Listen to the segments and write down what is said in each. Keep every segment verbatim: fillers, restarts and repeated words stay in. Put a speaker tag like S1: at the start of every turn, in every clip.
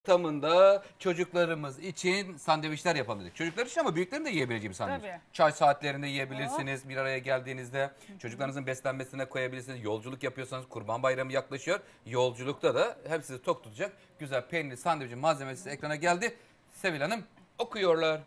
S1: Tamında çocuklarımız için sandviçler yapabiliriz. Çocuklar için ama büyüklerin de yiyebileceği bir sandviç.
S2: Tabii.
S1: Çay saatlerinde yiyebilirsiniz. Bir araya geldiğinizde çocuklarınızın beslenmesine koyabilirsiniz. Yolculuk yapıyorsanız, Kurban Bayramı yaklaşıyor. Yolculukta da hep sizi tok tutacak güzel peynirli sandviçin malzemesi ekrana geldi. Sevil Hanım okuyorlar.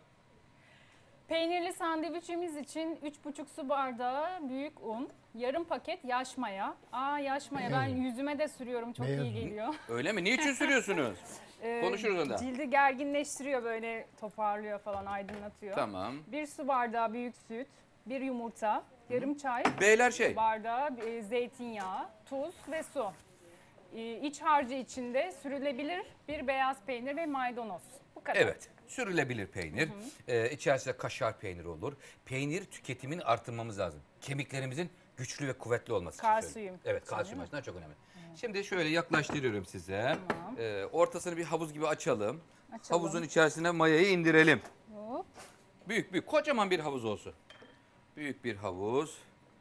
S2: Peynirli sandviçimiz için üç buçuk su bardağı büyük un, yarım paket yaş maya. Aa yaş maya ben yüzüme de sürüyorum, çok
S3: Beyaz
S2: iyi geliyor.
S1: Öyle mi? Niçin sürüyorsunuz?
S2: Ee,
S1: Konuşuruz ondan.
S2: Cildi gerginleştiriyor, böyle toparlıyor falan, aydınlatıyor.
S1: Tamam.
S2: Bir su bardağı büyük süt, bir yumurta, yarım çay
S1: Beyler şey.
S2: bardağı e, zeytinyağı, tuz ve su. Ee, iç harcı içinde sürülebilir bir beyaz peynir ve maydanoz. Bu kadar.
S1: Evet. Sürülebilir peynir. Ee, içerisinde kaşar peyniri olur. Peynir tüketimini artırmamız lazım. Kemiklerimizin güçlü ve kuvvetli olması için
S2: Kalsiyum
S1: söylüyorum. Evet,
S2: için,
S1: kalsiyum
S2: değil mi?
S1: açısından çok önemli. Şimdi şöyle yaklaştırıyorum size.
S2: Tamam.
S1: Ee, ortasını bir havuz gibi açalım.
S2: Açalım.
S1: Havuzun içerisine mayayı indirelim.
S2: Hop.
S1: Büyük büyük, kocaman bir havuz olsun. Büyük bir havuz.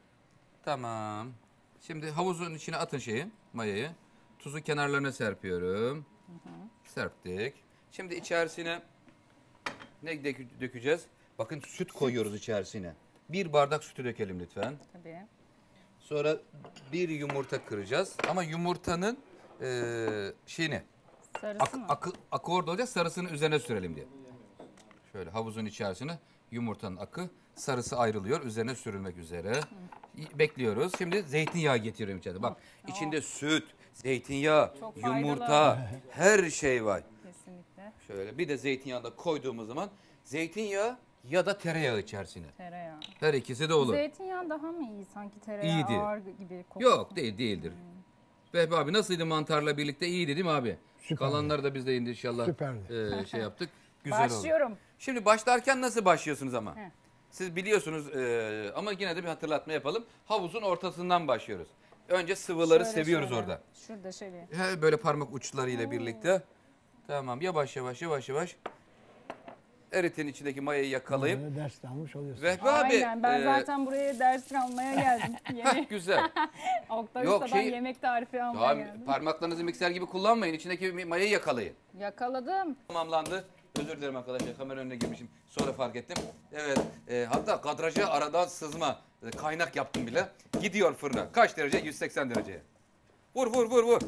S1: Tamam. Şimdi havuzun içine atın şeyi, mayayı. Tuzu kenarlarına serpiyorum. Serptik. Şimdi içerisine ne dök- dökeceğiz? Bakın süt koyuyoruz içerisine. Bir bardak sütü dökelim lütfen.
S2: Tabii.
S1: Sonra bir yumurta kıracağız. Ama yumurtanın eee şeyini,
S2: Sarısı
S1: ak,
S2: mı?
S1: akı, akı orada olacak, sarısını üzerine sürelim diye. Şöyle havuzun içerisine yumurtanın akı, sarısı ayrılıyor. Üzerine sürülmek üzere. Bekliyoruz. Şimdi zeytinyağı getiriyorum içeride. Bak içinde süt, zeytinyağı,
S2: Çok faydalı.
S1: yumurta, her şey var.
S2: Kesinlikle.
S1: Şöyle bir de zeytinyağı da koyduğumuz zaman zeytinyağı ya da tereyağı içerisine.
S2: Tereyağı.
S1: Her ikisi de olur.
S2: Zeytinyağı daha mı iyi sanki, tereyağı
S1: İyiydi.
S2: ağır gibi kokuyor.
S1: Yok değil değildir. Vehbi abi nasıldı mantarla birlikte? İyiydi değil mi abi?
S3: Süperdi.
S1: Kalanları da biz de indi inşallah.
S3: Süperdi.
S1: e, şey yaptık. Güzel oldu.
S2: Başlıyorum.
S1: Şimdi başlarken nasıl başlıyorsunuz ama?
S2: Heh.
S1: Siz biliyorsunuz e, ama yine de bir hatırlatma yapalım. Havuzun ortasından başlıyoruz. Önce sıvıları
S2: Şöyle,
S1: seviyoruz
S2: şöyle.
S1: orada.
S2: Şurada şöyle.
S1: He, böyle parmak uçlarıyla birlikte. Tamam, yavaş yavaş yavaş yavaş. Eritin içindeki mayayı yakalayıp.
S3: Böyle ders almış oluyorsun.
S1: Vehbi abi.
S2: Aynen, ben
S1: e,
S2: zaten buraya ders almaya geldim. Yemek.
S1: güzel.
S2: Oktay
S1: Yok,
S2: Usta'dan
S1: şey-
S2: yemek tarifi almaya
S1: Daha
S2: geldim.
S1: parmaklarınızı mikser gibi kullanmayın. İçindeki mayayı yakalayın.
S2: Yakaladım.
S1: Tamamlandı. Özür dilerim arkadaşlar, kamera önüne girmişim. Sonra fark ettim. Evet, e, hatta kadraja aradan sızma, e, kaynak yaptım bile. Gidiyor fırına. Kaç derece? yüz seksen dereceye. Vur vur vur vur.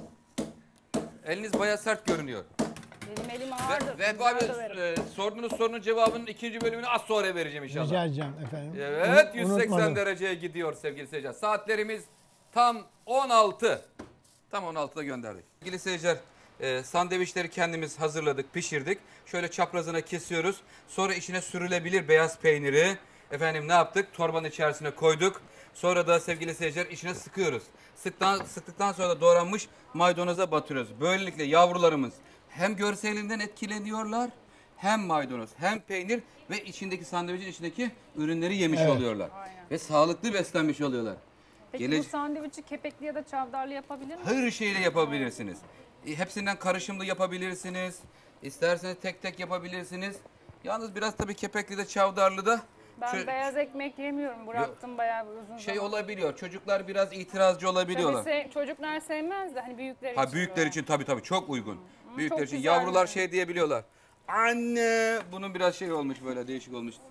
S1: Eliniz bayağı sert görünüyor.
S2: Benim elim
S1: Ve,
S2: ağırdır.
S1: ve
S2: güzel
S1: abi
S2: döverim.
S1: e, sorduğunuz sorunun cevabının ikinci bölümünü az sonra vereceğim inşallah.
S3: Rica edeceğim efendim.
S1: Evet,
S3: Unu-
S1: yüz seksen
S3: unutmadım.
S1: dereceye gidiyor sevgili seyirciler. Saatlerimiz tam on altı. Tam on altıda gönderdik. Sevgili seyirciler, e, sandviçleri kendimiz hazırladık, pişirdik. Şöyle çaprazına kesiyoruz. Sonra içine sürülebilir beyaz peyniri. Efendim ne yaptık? Torbanın içerisine koyduk. Sonra da sevgili seyirciler içine sıkıyoruz. Sıktan, sıktıktan sonra da doğranmış maydanoza batırıyoruz. Böylelikle yavrularımız hem görselinden etkileniyorlar, hem maydanoz, hem peynir ve içindeki sandviçin içindeki ürünleri yemiş
S3: Evet.
S1: oluyorlar.
S2: Aynen.
S1: Ve sağlıklı beslenmiş oluyorlar.
S2: Peki
S1: Gele-
S2: bu sandviçi kepekli ya da çavdarlı yapabilir miyim?
S1: Her şeyle yapabilirsiniz. E, Hepsinden karışımlı yapabilirsiniz. İsterseniz tek tek yapabilirsiniz. Yalnız biraz tabii kepekli de çavdarlı da
S2: Ben
S1: şu-
S2: beyaz ekmek yemiyorum. Bıraktım bayağı bir uzun
S1: şey
S2: zaman.
S1: olabiliyor. Çocuklar biraz itirazcı olabiliyorlar.
S2: Tabii se- çocuklar sevmez de hani büyükler için.
S1: Ha büyükler
S2: böyle.
S1: için tabii tabii çok uygun. Büyükler
S2: çok
S1: için
S2: güzel
S1: yavrular
S2: yani.
S1: şey diyebiliyorlar. Anne bunun biraz şey olmuş, böyle değişik olmuş.